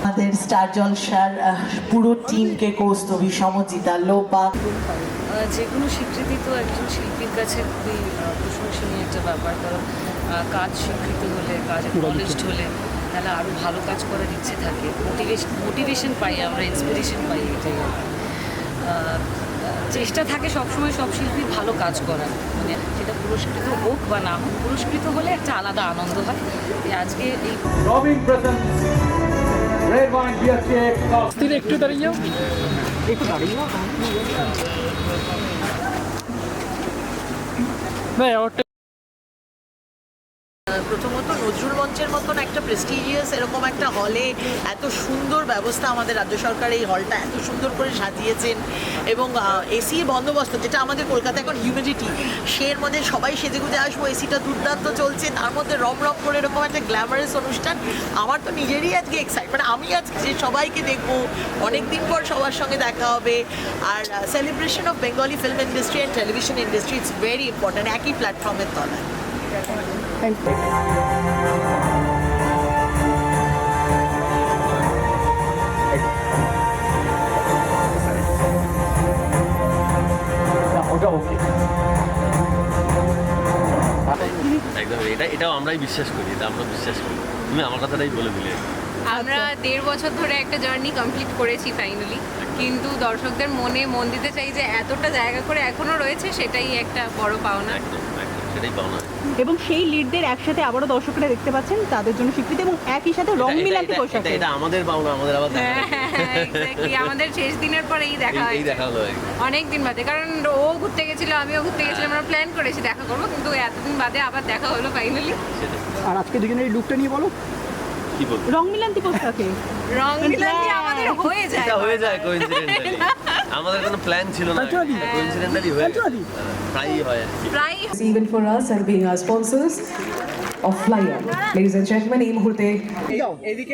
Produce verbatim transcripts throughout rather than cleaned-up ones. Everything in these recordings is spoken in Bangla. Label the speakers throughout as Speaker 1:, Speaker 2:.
Speaker 1: আমাদের স্টার জলসার পুরো টিমকে কৌস্তভী সমজিতা লোপা।
Speaker 2: যে কোনো স্বীকৃতি তো একজন শিল্পীর কাছে খুবই প্রশংসনীয় একটা ব্যাপার, কারণ কাজ স্বীকৃতি হলে, কাজ পলিশড হলে তাহলে আরও ভালো কাজ করার ইচ্ছে থাকে, মোটিভেশন মোটিভেশন পাই আমরা, ইন্সপিরেশন পাই। এটাই চেষ্টা থাকে সবসময় সব শিল্পীর ভালো কাজ করার, মানে সেটা পুরস্কৃত হোক বা না হোক, পুরস্কৃত হলে একটা আলাদা আনন্দ হয়। আজকে এই
Speaker 3: একটু দাঁড়িয়ে যাও, একটু দাঁড়িয়ে যাও।
Speaker 4: প্রথমত নজরুল মঞ্চের মতন একটা প্রেস্টিজিয়াস এরকম একটা হলে এত সুন্দর ব্যবস্থা, আমাদের রাজ্য সরকার এই হলটা এত সুন্দর করে সাজিয়েছেন, এবং এসি বন্দোবস্ত, যেটা আমাদের কলকাতা এখন হিউমিডিটি, সের মধ্যে সবাই সেজেগুজে আসবো, এসিটা দুর্দান্ত চলছে, তার মধ্যে রম রম করে এরকম একটা গ্ল্যামারাস অনুষ্ঠান। আমার তো নিজেরই আজকে এক্সাইট, মানে আমি আজকে সবাইকে দেখবো, অনেকদিন পর সবার সঙ্গে দেখা হবে। আর celebration of Bengali film industry and television industry, it's very important, একই প্ল্যাটফর্মের তলায়।
Speaker 3: Thank you.
Speaker 5: একদম এটা এটাও আমরাই বিশ্বাস করি, এটা আমরা বিশ্বাস করি। তুমি আমার কথাটাই বলে দিলে।
Speaker 6: আমরা দেড় বছর ধরে একটা জার্নি কমপ্লিট করেছি ফাইনালি, কিন্তু দর্শকদের মনে মন দিতে চাই যে এতটা জায়গা করে এখনো রয়েছে, সেটাই একটা বড় পাওনা।
Speaker 5: একদম একদম সেটাই পাওনা।
Speaker 7: এবং সেই লিডদের একসাথে আবারও দর্শকরা দেখতে পাচ্ছেন, তাদের জন্য স্বীকৃতি, এবং একই সাথে রং মিলান্তি পোশাক।
Speaker 5: এটা আমাদের পাওনা, আমাদের আবার
Speaker 6: এক্স্যাক্টলি আমাদের শেষ দিনের পর এই দেখা
Speaker 5: এই দেখা হলো
Speaker 6: অনেক দিন বাদে, কারণ ও ঘুরতে গেছিল, আমিও ঘুরতে গেছিলাম, আমরা প্ল্যান করেছি দেখা করবো, কিন্তু এতদিন বাদে আবার দেখা হলো ফাইনালি।
Speaker 7: আর আজকে দুজনের এই লুকটা নিয়ে বলো,
Speaker 5: কি বলবো,
Speaker 7: রং মিলান্তি পোশাকে
Speaker 6: রং মিলান্তি আমাদের হয়ে যায়,
Speaker 5: এটা হয়ে যায় কোইন্সিডেন্টালি, আমাদের কোনো প্ল্যান ছিল না, কোইন্সিডেন্টালি হয়ে যায়, প্রায়ই হয়
Speaker 6: প্রায়।
Speaker 8: Even for us and being our sponsors of Flyer. Ladies and gentlemen, এই মুহূর্তে
Speaker 3: এদিকে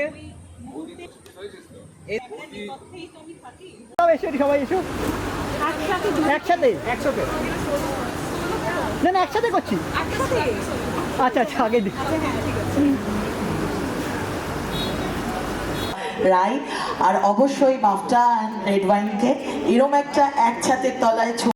Speaker 3: সবাই এসো একসাথে একসাথে না না একসাথে করছি, আচ্ছা আচ্ছা আগে
Speaker 1: রায় আর অবশ্যই বাফটা অ্যান্ড রেড ওয়াইনকে এরম একটা এক ছাতের তলায়